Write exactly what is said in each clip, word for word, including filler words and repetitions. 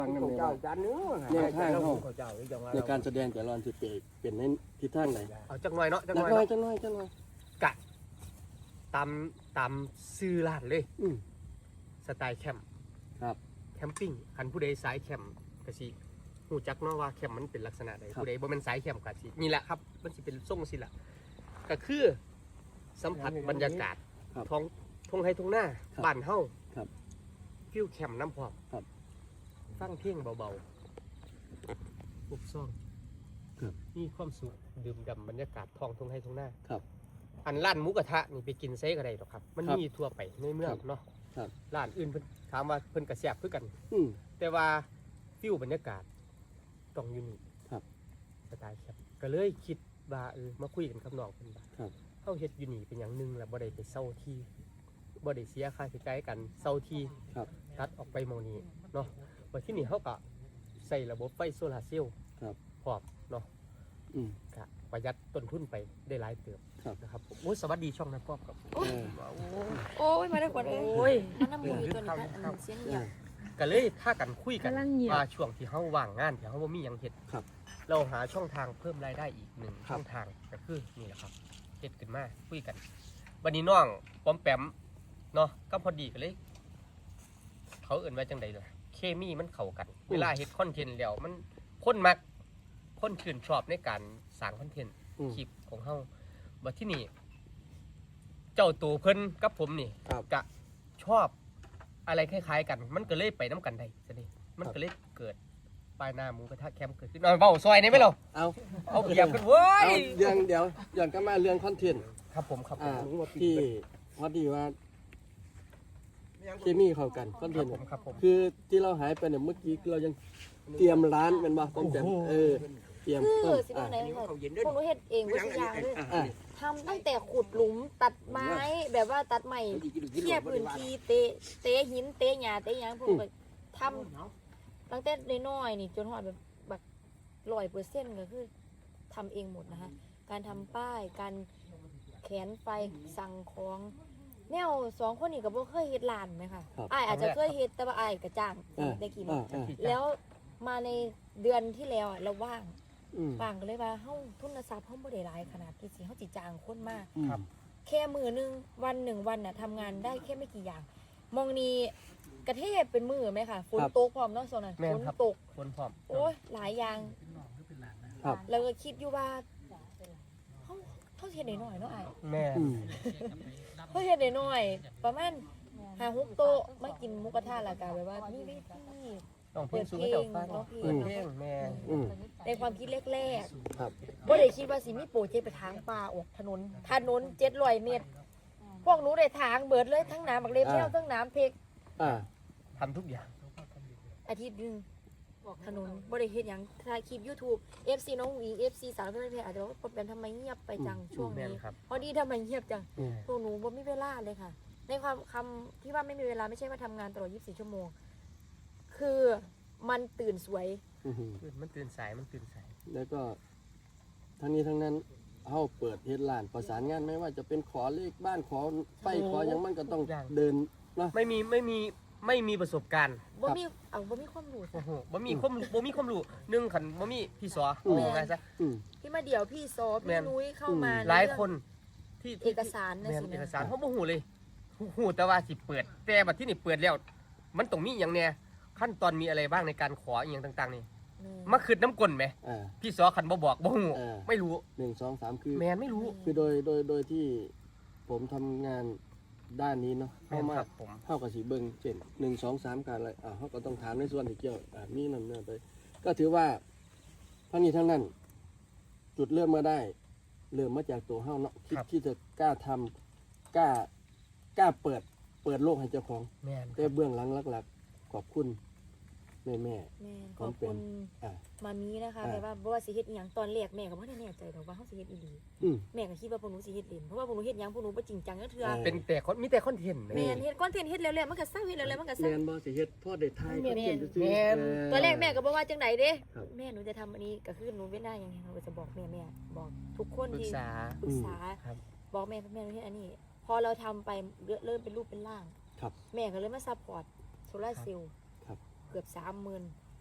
ฟังกันเลยว่าแนวทางเขาในการแสดงแต่ละวันจะเป็นในทิศทางไหนเอาจักหน่อยเนาะจักจัหกน่อยหน่อยจักหน่อยจักหน่อยกะตามตามซื้อร้านเลยอืมสไตล์แคมป์ครับแคมปิ้งคันผู้ใดสายแคมป์ก็สิฮู้จักเนาะว่าแคมป์มันเป็นลักษณะใดผู้ใดบ่แม่นสายแคมป์ก็สินี่แหละครับมันสิเป็นทรงสิล่ะก็คือสัมผัสบรรยากาศท้องทุ่งไร่ทุ่งนาบ้านเฮาฟิวแคมป์น้ำพร้อมฟังเพลงเบาๆปุบซ่องมีความสุขดื่มด่ำบรรยากาศท้องทุ่งไร่ทุ่งนาอันร้านหมูกระทะนี่ไปกินเซ่ก็ได้หรอกครับมันมีทั่วไปในเมืองเนาะร้านอื่นเพิ่นถามว่าเพิ่นกระแสบคือกันแต่ว่าฟิวบรรยากาศต้องอยู่นี่สไตล์แคมป์ก็เลยคิดว่าเออมาคุยกันกับน้องเพิ่นว่าเฮาเฮ็ดอยู่นี่เป็นอย่างนึงแล้วบ่ได้ไปเซาที่บ่ได้เสียค่าใช้จ่ายกันเซาที่ตัดออกไปหม้องนี้เนาะว่าที่นี่เฮาก็ใส่ระบบไฟโซลาร์เซลล์พร้อมเนาะก็ประหยัดต้นทุนไปได้หลายเติบนะครับผมโอ้ยสวัสดีช่องน้ำป๊อบครับโอ้ยมาได้กว่าเลยโอ้ยมันน้ำมือตัวนี้กันเสียงเงียบก็เลยถ้ากันคุยกันว่าช่วงที่เฮาว่างงานที่เฮาบ่มีหยังเฮ็ดเราหาช่องทางเพิ่มรายได้อีกหนึ่งช่องทางก็คือนี่แหละครับเฮ็ดขึ้นมาคุยกันวันนี้น้องปอมแปมเนาะก็พอดีกันเลยเขาเอิ่นว่าจังใดเลยเคมีมันเข้ากันเวลาเฮ็ดคอนเทนต์แล้วมันคนมักคนชื่นชอบในการสร้างคอนเทนต์คลิปของเฮาบัดที่นี่เจ้าตัวเพิ่นกับผมนี่ก็ชอบอะไรคล้ายๆกันมันก็เลยไปน้ำกันได้ซะนี่มันก็เลยเกิดปลายหน้าหมูกระทะแคมป์เกิดขึ้นนอนเบาซอยนี่ไหมเราเอาเอาเกียบกันเว้ยเรื่องเดี๋ยวย้อนกลับมาเรื่องคอนเทนต์ครับผมครับที่พอดีว่าเคมีเข้ากันคอนเทนต์ครับผมคือที่เราหายไปเนี่ยเมื่อกี้เรายังเตรียมร้านเป็นบ่ต้องแต่เออเตรียมคือสิว่าไหนค่ะพวกหนูเฮ็ดเองทุกอย่างเลยทำตั้งแต่ขุดหลุมตัดไม้แบบว่าตัดไม้เคลียร์พื้นที่เตะเตะหินเตะหญ้าเตะหยังพวกแบบทำตั้งแต่น้อยๆนี่จนฮอดแบบแบบร้อยเปอร์เซ็นต์ก็คือทำเองหมดนะคะการทำป้ายการแขวนไฟสั่งของแนวสองคนนี้ก็บ่เคยเฮ็ดร้านไหมคะอ้ายอาจจะเคยเฮ็ดแต่ว่าอ้ายก็จ้างได้กี่มื้อแล้วมาในเดือนที่แล้วเราว่างว่างก็เลยว่าเฮาทุนทรัพย์เฮาบ่ได้หลายขนาดที่สิเฮาสิจ้างคนมาแค่มื้อนึงวันหนึ่งวันน่ะทำงานได้แค่ไม่กี่อย่างมองนี้กระเทศเป็นมื้อไหมคะฝนตกพร้อมเนาะโซนนั้นฝนตกฝนพร้อมโอ้ยหลายอย่างแล้วก็คิดอยู่ว่าเฮาเฮาเฮ็ดได้น้อยเนาะอ้ายแม่เฮาเฮ็ดได้น้อยประมาณห้าหกโต๊ะมากินหมูกระทะแล้วก็แบบว่ามีวิธีต้องเพิ่นสู่เจ้าฟังเปิดเพลงแม่ในความคิดแรกๆครับบ่ได้คิดว่าสิมีโปรเจกต์ไปทางป่าออกถนนถนนเจ็ดร้อยเมตรพวกหนูได้ทางเบิดเลยทั้งน้ำบักเล็บแล้วทั้งน้ำเพกทำทุกอย่างอาทิตย์นึงออกถนนบ่ได้เฮ็ดหยังถ่ายคลิป YouTube เอ ฟ ซี น้องหวี เอฟ ซี สาวเพื่อนเพจอาจจะว่าเป็นทำไมเงียบไปจังช่วงนี้พอดีทำไมเงียบจังพวกหนูบ่มีเวลาเลยค่ะในความคำที่ว่าไม่มีเวลาไม่ใช่ว่าทำงานตลอดยี่สิบสี่ชั่วโมงคือมันตื่นสวยมันตื่นสายมันตื่นสายแล้วก็ทั้งนี้ทั้งนั้นเฮาเปิดเฮ็ดร้านประสานงานไม่ว่าจะเป็นขอเลขบ้านขอไฟขอหยังมันก็ต้องเดินเนาะไม่มีไม่มีไม่มีประสบการณ์บ่มีเอาบ่มีความรู้โอ้โหบ่มีความบ่มีความรู้นึงขันบ่มีพี่สอโอ้ไงซะที่มาเดี๋ยวพี่ซอพี่นุ้ยเข้ามาหลายคนที่เอกสารนะสิเอกสารเฮาบ่ฮู้เลยฮู้แต่ว่าสิเปิดแต่บัดที่นี่เปิดแล้วมันต้องมีหยังแน่ขั้นตอนมีอะไรบ้างในการขออย่างต่างๆนี่มาคืดน้ำกลนไหมพี่สอขันบ่บอกบ่หูไม่รู้หนึ่งสองสามคือแมนไม่รู้คือโดยโดยโดยที่ผมทำงานด้านนี้เนาะเข้ามาเข้ากับสีเบิ้งเช่นหนึ่งสองสามการอะไรอ่าเขาก็ต้องถามในส่วนที่เกี่ยวอ่ามีนั่นนั่นไปก็ถือว่าทั้งนี้ทั้งนั้น จุดเริ่มมาได้เริ่มมาจากตัวเฮาเนาะคิดที่จะกล้าทำกล้ากล้าเปิดเปิดโลกให้เจ้าของแต่เบื้องหลังหลักๆขอบคุณแม่แม่ขอบคุณมามีนะคะแต่ว่าบ่ว่าสิเฮ็ดอีหยังตอนแรกแม่ก็บ่ได้แน่ใจดอกว่าเฮาสิเฮ็ดอีหลีแม่ก็คิดว่าพวกหนูสิเฮ็ดเล่นเพราะว่าพวกหนูเฮ็ดหยังพวกหนูบ่จริงจังจักเทื่อเป็นแต่คนมีแต่คอนเทนต์แม่เฮ็ดคอนเทนต์เฮ็ดแล้วๆมันก็เศร้าเฮ็ดแล้วๆมันก็เศร้าแม่นบ่สิเฮ็ดพอได้ทายก็เป็นซื่อตอนแรกแม่ก็บ่ว่าจังได๋เด้แม่หนูจะทำอันนี้ก็คือหนูเว้นได้ยังไงหนูก็จะบอกแม่แม่บอกทุกคนที่ปรึกษาปรึกษาบอกแม่แม่เฮ็ดอันนี้พอเราทำไปเริ่มเป็นรูปเป็นร่างแม่ก็เลยมาซัพพอร์ตโซลาร์เซลล์เกือบ สามหมื่น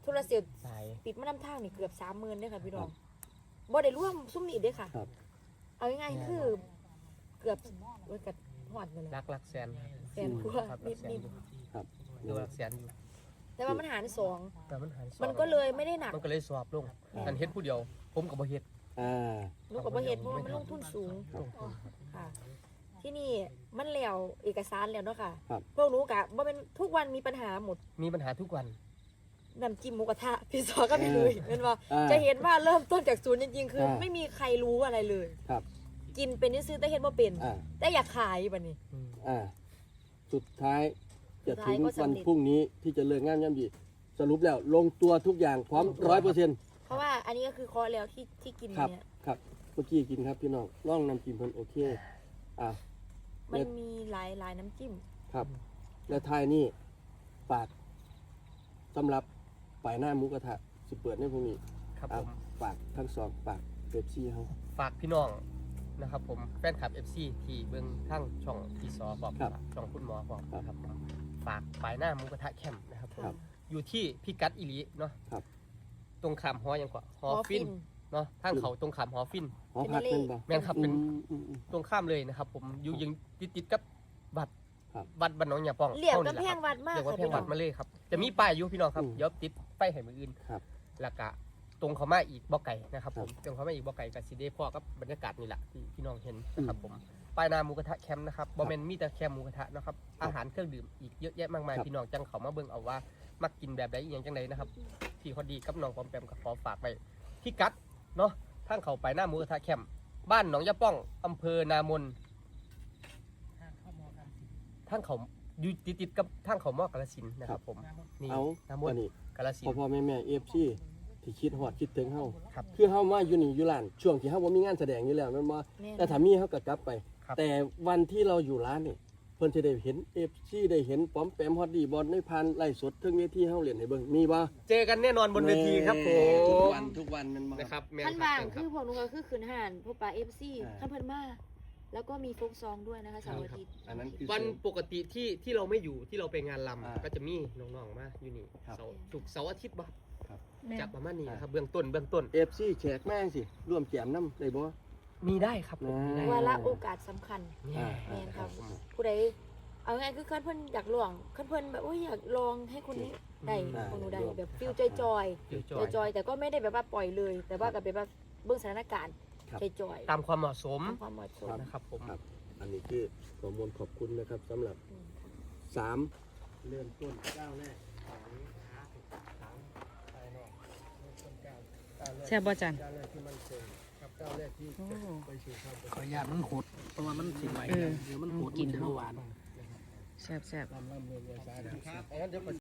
โทรเสียสายติดมานำทางนี่เกือบสามหมื่นเด้อค่ะพี่น้องบ่ได้ร่วมซุ้มนี่เด้อค่ะครับเอาง่ายๆคือเกือบเว้ยกับหอดนั่นแหลัละกลักแสนแสนกว่าครับนิลักแสนดอยู่ครับดูลักแสนอยู่ๆแต่ว่ามันหารสองแต่มันหันสอบมันก็เลยไม่ได้หนักมันก็เลยสอบลงกันเฮ็ดผู้เดียว ผมกับบ่เฮ็ดอ่าหนูก็บ่เฮ็ดเพราะว่ามันลงทุนสูงลงทุนค่ะ ที่นี่มันแล้วเอกสารแล้วเนาะค่ะครับพวกหนูกะบ่เป็นทุกวันมีปัญหาหมดมีปัญหาทุกวันน้ำจิ้มหมูกระทะพี่ซอก็ไม่เลยเป็นว่าอ่าจะเห็นว่าเริ่มต้นจากศูนย์จริงๆ คืออ่าไม่มีใครรู้อะไรเลยครับกินเป็นซื้อๆแต่เห็นว่าเป็นอ่าแต่อยากขายบัดนี้อืมอ่า สุดท้ายจะถึงสุดท้ายก็สำวันเร็จพรุ่งนี้ที่จะเลิกงานย่ำดีสรุปแล้วลงตัวทุกอย่างพร้อมร้อยเปอร์เซ็นต์เพราะว่าอันนี้ก็คือคอร์สแล้วที่ที่กินครับเนี่ยครับเมื่อกี้กินครับพี่น้องร่องน้ำจิ้มเพิ่นโอเคอ่ามันมีหลายหลายน้ำจิ้มครับ และทายนี่ฝากสำหรับฝ่ายหน้าหมูกระทะสิเปิดในพรุ่งนี้ครับอ่ะผมฝากทั้งสองฝากเป๊ปซี่เขาฝากพี่น้องนะครับผมแฟนคลับ เอฟ ซี ที่เบิ่งทั้งช่องพี่ซอบอกครับช่องคุณหมอบอกครับนะครับผมฝากปลายหน้าหมูกระทะแคมป์นะครับผมครับอยู่ที่พิกัดอิลีเนาะครับตรงขามหอยังกว่าหอหอฟิฟินนเนาะทางเขาตรงขามหอฟินหอพักเป็นบ่แม่นครับเป็นอืมอืมอืมตรงข้ามเลยนะครับผมอยู่ยังติดติดๆกับวัดครับวัดบ้านหนองยาป้องเหลี่ยมท่านี่กำแพแหละงครับวัดมากเรียกว่าค่ะแพงพี่น้วัอดงมาเลยครับจะมีป้ายอยู่พี่น้องครับอืมเดี๋ยวติดไฟให้มืออื่นครับแล้วก็ตรงเขามาอีกบ่อไก่นะครับคผรับมตรงเขามาอีกบ่อไก่กับซีเดพ่อกับบรรยากาศนี่แหละที่พี่น้องเห็นนะครับผมป้ายหนาหมูกระทะแคมป์นะครับบอมเมนมีแต่แคมป์หมูกระทะนะครับอาหารเครื่องดื่มอีกเยอะแยะมากมายครับพี่น้องจังเขามาเบิ่งเอาว่ามักกินแบบใดอหย่างจังใดนะครับพี่เขาดีกับน้องปอมแปมกับขอฝากไปพี่กัดเนาะทางเขาไปหน้าหมูกระทะแคมป์บ้านหนองยาป้องอำเภอนามนทางเขาอยู่ติดๆกับทางเขามอกาฬสินธุ์นะครับผมนี่เอานามวันนนี้กาฬสินพ่อธุ์พ่อแม่แม่เอฟซีที่คิดฮอดคิดถึงเฮาครับคือเฮามาอยู่นี่อยู่ร้านช่วงที่เฮาบ่มีงานแสดงอยู่แล้วแม่นบ่แม่นแต่ถ้ามีเฮาก็กลับไปครับแต่วันที่เราอยู่ร้านนี่เพิ่นจะได้เห็น เอฟ ซี ได้เห็นป้อมแปมฮอดดีบอลในพันไล่สดถึงเวทีเฮาเล่นให้เบิ่งมีบ่เจอกันแน่นอนบนเวทีครับผทุกมวันทุกวันแมันบ่นะครับแม่ขั้นคบารับงแม่นคคืรับอพวกหนูก็คือขืนห่านพวกปลาเอฟซีอ่าขั้นเพิ่นมาแล้วก็มีโฟกซองด้วยนะคะเสาร์อาทิตย์อันนั้นคือวันปกติที่ที่เราไม่อยู่ที่เราไปงานลอ่าำก็จะมีน้องๆมาอยู่นี่ครับเสาร์ศุกร์เสาร์อาทิตย์บ่แม่นจับประมาณนี้นะครับเบื้องต้นเบื้องต้นเอฟ ซี แขกแม่งสิร่วมแจมน้ำได้บ่มีได้ครับผมมีได้วาระโอกาสสำคัญเนี่ยแม่นครับ ผู้ใดเอาไงคือขั้นเพิ่นอยากลองขั้นเพิ่นแบบโอ้ยอยากลองให้คนนี้ได้อ่าของหนูได้ลองแบบฟิลจอยจอยเดี๋ยวจจออย ยจอยแต่ก็ไม่ได้แบบว่าปล่อยเลย แต่ว่าก็เป็นแบบเบื้องสถานการณ์ครับจอยจอยตามความเหมาะสมตามความเหมาะสมนะครับผมครับ อันนี้คือขอมวลขอบคุณนะครับสำหรับอืมสามเริ่มต้นก้าวแรกแช่บบ่จันก้าวแรกที่มันคงครับก้าวแรกที่โอ้ไปสู่ความเป็นขออนุญาตมันหดเพราะว่ามันสิไหลเออเดี๋ยวมันหดกินมัจะเข้าหวานแซ่บแซ่บลำลำเรียนเรียนสายนะครับอันนั้นเดี๋ยว